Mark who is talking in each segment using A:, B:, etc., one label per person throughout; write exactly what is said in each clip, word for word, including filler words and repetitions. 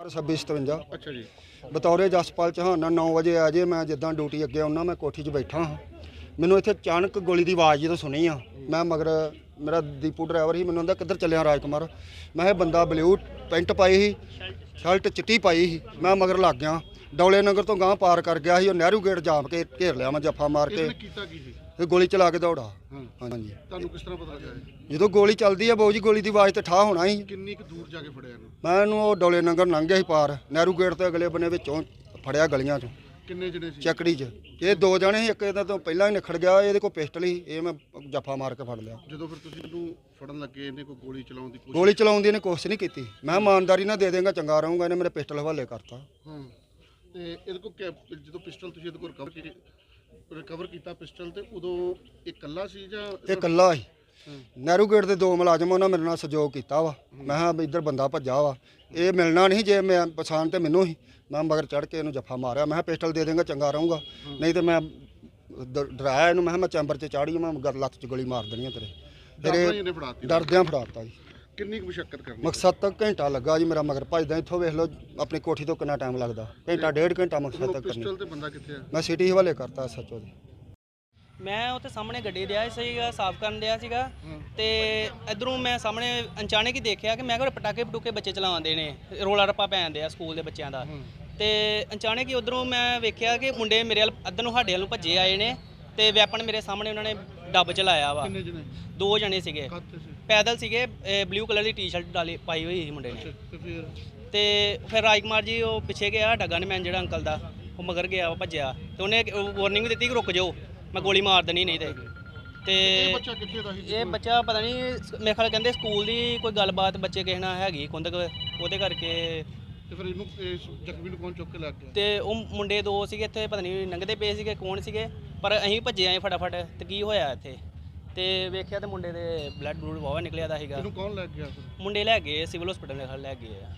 A: छब्बी सतवंजा
B: अच्छा जी।
A: बतौरे जसपाल चौहान नौ वजे आ जे मैं जिदा ड्यूटी अगे आना मैं कोठी च बैठा हाँ मैनू इत्थे अचानक गोली की आवाज़ जो सुनी हाँ मैं मगर मेरा दीपू ड्राइवर ही मैनू आंदा किधर चलिया राजकुमार मैं बंदा ब्लू पेंट पाई ही शर्ट चिट्टी पाई ही मैं मगर लग गया डौले नगर तो गांह पार कर गया ही नहरू गेट जाम के घेर लिया मैं जफा मार के ਇਹ ਗੋਲੀ ਚਲਾ ਕੇ ਦੌੜਾ। ਹਾਂਜੀ
B: ਤੁਹਾਨੂੰ ਕਿਸ ਤਰ੍ਹਾਂ ਪਤਾ ਲੱਗਾ ਇਹ?
A: ਜਦੋਂ ਗੋਲੀ ਚੱਲਦੀ ਹੈ ਬਾਊ ਜੀ ਗੋਲੀ ਦੀ ਆਵਾਜ਼ ਤੇ ਠਾ ਹੋਣਾ ਸੀ।
B: ਕਿੰਨੀ ਕੁ ਦੂਰ ਜਾ ਕੇ ਫੜਿਆ ਇਹਨੂੰ?
A: ਮੈਂ ਇਹਨੂੰ ਉਹ ਡੋਲੇ ਨੰਗਰ ਲੰਘ ਗਿਆ ਸੀ ਪਾਰ ਨਹਿਰੂ ਗੇਟ ਤੇ ਅਗਲੇ ਬੰਨੇ ਵਿੱਚੋਂ ਫੜਿਆ ਗਲੀਆਂ 'ਚੋਂ।
B: ਕਿੰਨੇ ਜਣੇ ਸੀ?
A: ਚੱਕੜੀ 'ਚ ਇਹ ਦੋ ਜਣੇ ਸੀ, ਇੱਕ ਇਹਦਾ ਤੋਂ ਪਹਿਲਾਂ ਹੀ ਨਿਖੜ ਗਿਆ, ਇਹਦੇ ਕੋਲ ਪਿਸਟਲ ਸੀ, ਇਹ ਮੈਂ ਜੱਫਾ ਮਾਰ ਕੇ ਫੜ ਲਿਆ।
B: ਜਦੋਂ ਫਿਰ ਤੁਸੀਂ ਇਹਨੂੰ ਫੜਨ ਲੱਗੇ ਇਹਨੇ ਕੋਈ ਗੋਲੀ ਚਲਾਉਣ ਦੀ ਕੋਸ਼ਿਸ਼?
A: ਗੋਲੀ ਚਲਾਉਣ ਦੀ ਇਹਨੇ ਕੋਸ਼ਿਸ਼ ਨਹੀਂ ਕੀਤੀ। ਮੈਂ ਇਮਾਨਦਾਰੀ ਨਾਲ ਦੇ ਦੇਂਗਾ ਚੰਗਾ ਰਹੂੰਗਾ, ਇਹਨੇ ਮੇਰੇ ਪਿਸਟਲ ਹਵਾਲੇ ਕਰਤਾ।
B: ਹਾਂ ਤੇ ਇਹਦੇ ਕੋਲ ਜਦੋਂ ਪਿਸਟਲ ਤੁਸੀਂ ਇਹਦੇ ਕੋਲ ਰਿਕਵਰ ਕੀਤੀ ਰਿਕਵਰ ਕੀਤਾ ਪਿਸਟਲ ਤੇ ਉਦੋਂ ਇਹ ਇਕੱਲਾ ਸੀ ਜਾਂ?
A: ਇਹ ਇਕੱਲਾ ਸੀ। ਨਹਿਰੂ ਗੇਟ ਦੇ ਦੋ ਮੁਲਾਜ਼ਮ ਉਹਨਾਂ ਮੇਰੇ ਨਾਲ ਸਹਿਯੋਗ ਕੀਤਾ ਵਾ। ਮੈਂ ਕਿਹਾ ਵੀ ਇੱਧਰ ਬੰਦਾ ਭੱਜਾ ਵਾ, ਇਹ ਮਿਲਣਾ ਨਹੀਂ, ਜੇ ਮੈਂ ਪਛਾਣ ਤੇ ਮੈਨੂੰ ਹੀ ਮੈਂ ਮਗਰ ਚੜ੍ਹ ਕੇ ਇਹਨੂੰ ਜੱਫਾ ਮਾਰਿਆ। ਮੈਂ ਕਿਹਾ ਪਿਸਟਲ ਦੇ ਦੇਂਗਾ ਚੰਗਾ ਰਹੂੰਗਾ, ਨਹੀਂ ਤੇ ਮੈਂ ਡ- ਡਰਾਇਆ ਇਹਨੂੰ। ਮੈਂ ਕਿਹਾ ਮੈਂ ਚੈਂਬਰ 'ਚ ਚਾੜੀ, ਮੈਂ ਗਰ ਲੱਤ 'ਚ ਗੋਲੀ ਮਾਰ ਦੇਣੀ ਆ ਤੇਰੇ। ਫਿਰ ਇਹ ਡਰਦਿਆਂ ਫੜਾਤਾ ਜੀ।
B: ਕਿੰਨੀ ਕੁ ਮੁਸ਼ੱਕਤ ਕਰਨੀ?
A: ਮਕਸਦ ਤੱਕ ਘੰਟਾ ਲੱਗਾ ਜੀ ਮੇਰਾ ਮਗਰ ਭੱਜਦਾ। ਇੱਥੋਂ ਵੇਖ ਲਓ ਆਪਣੀ ਕੋਠੀ ਤੋਂ ਕਿੰਨਾ ਟਾਈਮ ਲੱਗਦਾ, ਘੰਟਾ ਡੇਢ ਘੰਟਾ ਮਕਸਦ ਤੱਕ ਕਰਨੀ।
B: ਪਿਸਟਲ ਤੇ ਬੰਦਾ ਕਿੱਥੇ ਆ?
A: ਮੈਂ ਸਿਟੀ ਹਵਾਲੇ ਕਰਤਾ ਸੱਚੋ ਦੇ।
C: ਮੈਂ ਉੱਥੇ ਸਾਹਮਣੇ ਗੱਡੀ ਦਿਆ ਸੀਗਾ, ਸਾਫ਼ ਕਰਨ ਦਿਆ ਸੀਗਾ ਤੇ ਇਧਰੋਂ ਮੈਂ ਸਾਹਮਣੇ ਅਚਾਨਕ ਹੀ ਦੇਖਿਆ ਕਿ ਮੈਂ ਕਿਹਾ ਪਟਾਕੇ ਪਟੂਕੇ ਬੱਚੇ ਚਲਾਉਂਦੇ ਨੇ, ਰੋਲਾ ਰੱਪਾ ਪੈਂਦੇ ਆ ਸਕੂਲ ਦੇ ਬੱਚਿਆਂ ਦਾ। ਤੇ ਅਚਾਨਕ ਹੀ ਉਧਰੋਂ ਮੈਂ ਵੇਖਿਆ ਕਿ ਮੁੰਡੇ ਮੇਰੇ ਵੱਲ ਅੱਧਰ ਨੂੰ ਸਾਡੇ ਵੱਲ ਨੂੰ ਭੱਜੇ ਆਏ ਨੇ ਤੇ ਵੈਪਨ ਮੇਰੇ ਸਾਹਮਣੇ ਉਹਨਾਂ ਨੇ ਡੱਬ ਚਲਾਇਆ ਵਾ।
B: ਕਿੰਨੇ ਜਣੇ?
C: ਦੋ ਜਣੇ ਸੀਗੇ, ਪੈਦਲ ਸੀਗੇ, ਬਲੂ ਕਲਰ ਦੀ ਟੀ-ਸ਼ਰਟ ਡਾਲੀ ਪਾਈ ਹੋਈ ਸੀ ਮੁੰਡੇ ਨੇ।
B: ਤੇ ਫਿਰ
C: ਤੇ ਫਿਰ ਰਾਜਕੁਮਾਰ ਜੀ ਉਹ ਪਿੱਛੇ ਗਿਆ, ਡੱਗਾ ਨੇ ਮੈਂ ਜਿਹੜਾ ਅੰਕਲ ਦਾ ਉਹ ਮਗਰ ਗਿਆ, ਉਹ ਭੱਜਿਆ ਤੇ ਉਹਨੇ ਵਾਰਨਿੰਗ ਦਿੱਤੀ ਕਿ ਰੁਕ ਜਾਓ, ਮੈਂ ਗੋਲੀ ਮਾਰ ਦੇਣੀ ਨਹੀਂ ਤੇ। ਤੇ
B: ਇਹ ਬੱਚਾ ਕਿੱਥੇ ਦਾ ਸੀ?
C: ਇਹ ਬੱਚਾ ਪਤਾ ਨਹੀਂ, ਮੇਰੇ ਖਿਆਲ ਕਹਿੰਦੇ ਸਕੂਲ ਦੀ ਕੋਈ ਗੱਲਬਾਤ ਬੱਚੇ ਕਿਸੇ ਨਾਲ ਹੈਗੀ ਕੁੰਦਕ, ਉਹਦੇ ਕਰਕੇ।
B: ਤੇ ਫਿਰ ਇਹਨੂੰ ਇਸ ਜ਼ਖਮੀ ਨੂੰ ਕੌਣ ਚੁੱਕ ਕੇ ਲੈ ਗਿਆ?
C: ਤੇ ਉਹ ਮੁੰਡੇ ਦੋ ਸੀਗੇ ਇੱਥੇ, ਪਤਾ ਨਹੀਂ ਲੰਘਦੇ ਪਏ ਸੀਗੇ ਕੌਣ ਸੀਗੇ, ਪਰ ਅਸੀਂ ਭੱਜੇ ਆਏ ਫਟਾਫਟ। ਤੇ ਕੀ ਹੋਇਆ ਇੱਥੇ ਤੇ ਵੇਖਿਆ ਤੇ ਮੁੰਡੇ ਦੇ ਬਲੱਡ ਬਲੂਡ ਵਾਵਾ ਨਿਕਲਿਆ ਦਾ ਸੀਗਾ।
B: ਇਹਨੂੰ ਕੌਣ ਲੈ ਗਿਆ ਫਿਰ?
C: ਮੁੰਡੇ ਲੈ ਗਏ ਸਿਵਲ ਹਸਪੀਟਲ ਦੇ ਖਲ ਲੈ ਗਏ ਆ।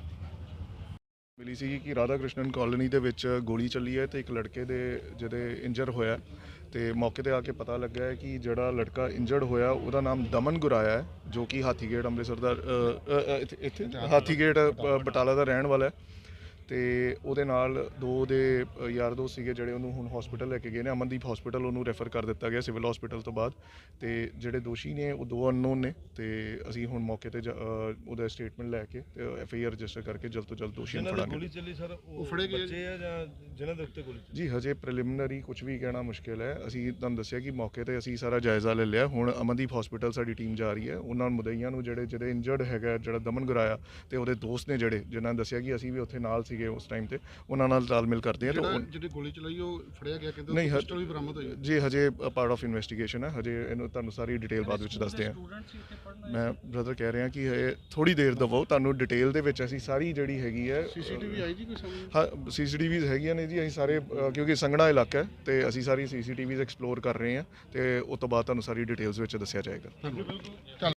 D: ਮਿਲੀ ਸੀ ਕਿ ਰਾਧਾ ਕ੍ਰਿਸ਼ਨਨ ਕਾਲੋਨੀ ਦੇ ਵਿੱਚ ਗੋਲੀ ਚੱਲੀ ਹੈ ਤੇ ਇੱਕ ਲੜਕੇ ਦੇ ਜਿਹਦੇ ਇੰਜਰ ਹੋਇਆ ਤੇ ਮੌਕੇ ਤੇ ਆ ਕੇ ਪਤਾ ਲੱਗਾ ਹੈ ਕਿ ਜਿਹੜਾ ਲੜਕਾ ਇੰਜਰਡ ਹੋਇਆ ਉਹਦਾ ਨਾਮ ਦਮਨ ਗੁਰਾਇਆ ਹੈ, ਜੋ ਕਿ ਹਾਥੀਗੇਟ ਅੰਮ੍ਰਿਤਸਰ ਦਾ ਅ, ਇੱਥੇ ਇੱਥੇ ਹਾਥੀਗੇਟ ਅ, ਬਟਾਲਾ ਦਾ ਰਹਿਣ ਵਾਲਾ ਹੈ। ਤੇ ਉਹਦੇ ਨਾਲ ਦੋ ਦੇ ਯਾਰ ਦੋਸਤ ਸੀਗੇ ਜਿਹੜੇ ਉਹਨੂੰ ਹੁਣ ਹਸਪੀਟਲ ਲੈ ਕੇ ਗਏ ਨੇ, ਅਮਨਦੀਪ ਹਸਪੀਟਲ ਉਹਨੂੰ ਰੈਫਰ ਕਰ ਦਿੱਤਾ ਗਿਆ ਸਿਵਲ ਹਸਪੀਟਲ ਤੋਂ ਬਾਅਦ। ਤੇ ਜਿਹੜੇ ਦੋਸ਼ੀ ਨੇ ਉਹ ਦੋ ਅਨਨੋਨ ਨੇ ਤੇ ਅਸੀਂ ਹੁਣ ਮੌਕੇ ਤੇ ਉਹਦਾ ਸਟੇਟਮੈਂਟ ਲੈ ਕੇ ਤੇ ਐਫ ਆਈ ਆਰ ਰਜਿਸਟਰ ਕਰਕੇ ਜਲਦ ਤੋਂ ਜਲਦ ਦੋਸ਼ੀ ਨੂੰ ਫੜਾਂਗੇ।
E: ਗੋਲੀ ਚੱਲੀ ਸਰ
B: ਉਹ ਫੜੇ ਗਏ
E: ਬੱਚੇ ਆ ਜਾਂ ਜਿਨ੍ਹਾਂ ਦੇ ਉੱਤੇ ਗੋਲੀ ਚੱਲੀ?
D: ਜੀ ਹਜੇ ਪ੍ਰੀਲਿਮਿਨਰੀ ਕੁਝ ਵੀ ਕਹਿਣਾ ਮੁਸ਼ਕਿਲ ਹੈ। ਅਸੀਂ ਤੁਹਾਨੂੰ ਦੱਸਿਆ ਕਿ ਮੌਕੇ ਤੇ ਅਸੀਂ ਸਾਰਾ ਜਾਇਜ਼ਾ ਲੈ ਲਿਆ। ਹੁਣ ਅਮਨਦੀਪ ਹਸਪੀਟਲ ਸਾਡੀ ਟੀਮ ਜਾ ਰਹੀ ਹੈ, ਉਹਨਾਂ ਮੁਦਈਆਂ ਨੂੰ ਜਿਹੜੇ ਜਿਹੜੇ ਇੰਜਰਡ ਹੈਗਾ, ਜਿਹੜਾ ਦਮਨ ਗੁਰਾਇਆ ਤੇ ਉਹਦੇ ਦੋਸਤ ਨੇ ਜਿਹੜੇ ਜਿਨ੍ਹਾਂ ਨੇ ਦੱਸਿਆ ਕਿ ਅਸੀਂ ਵੀ ਉੱਥੇ ਨਾਲ ਸੀਗੇ ਉਸ ਟਾਈਮ ਤੇ, ਉਹਨਾਂ ਨਾਲ ਤਾਲਮੇਲ ਕਰਦੇ ਆ। ਤਾਂ
B: ਜਿਹੜੀ ਗੋਲੀ ਚਲਾਈ ਉਹ ਫੜਿਆ ਗਿਆ, ਕਹਿੰਦੇ
D: ਨਹੀਂ
B: ਪਿਸਟਲ ਵੀ ਬਰਾਮਦ ਹੋਈ?
D: ਜੀ ਹਜੇ ਪਾਰਟ ਆਫ ਇਨਵੈਸਟੀਗੇਸ਼ਨ ਹੈ, ਹਜੇ ਇਹਨੂੰ ਤੁਹਾਨੂੰ ਸਾਰੀ ਡਿਟੇਲ ਬਾਅਦ ਵਿੱਚ ਦੱਸਦੇ ਹਾਂ। ਮੈਂ ਬ੍ਰਦਰ ਕਹਿ ਰਿਹਾ ਕਿ ਹਜੇ ਥੋੜੀ ਦੇਰ ਦਵੋ, ਤੁਹਾਨੂੰ ਡਿਟੇਲ ਦੇ ਵਿੱਚ ਅਸੀਂ ਸਾਰੀ ਜਿਹੜੀ ਹੈਗੀ ਹੈ।
B: ਸੀਸੀਟੀਵੀ ਆਈ ਜੀ ਕੋਈ ਸਾਹਮਣੇ?
D: ਹਾਂ ਸੀਸੀਟੀਵੀਜ਼ ਹੈਗੀਆਂ ਨੇ ਜੀ, ਅਸੀਂ ਸਾਰੇ ਅ, ਕਿਉਂਕਿ ਸੰਘਣਾ ਇਲਾਕਾ ਹੈ ਤੇ ਅਸੀਂ ਸਾਰੀ ਸੀਸੀਟੀਵੀਜ਼ ਐਕਸਪਲੋਰ ਕਰ ਰਹੇ ਹਾਂ ਤੇ ਉਸ ਤੋਂ ਬਾਅਦ ਤੁਹਾਨੂੰ ਸਾਰੀ ਡਿਟੇਲਸ ਵਿੱਚ ਦੱਸਿਆ ਜਾਏਗਾ।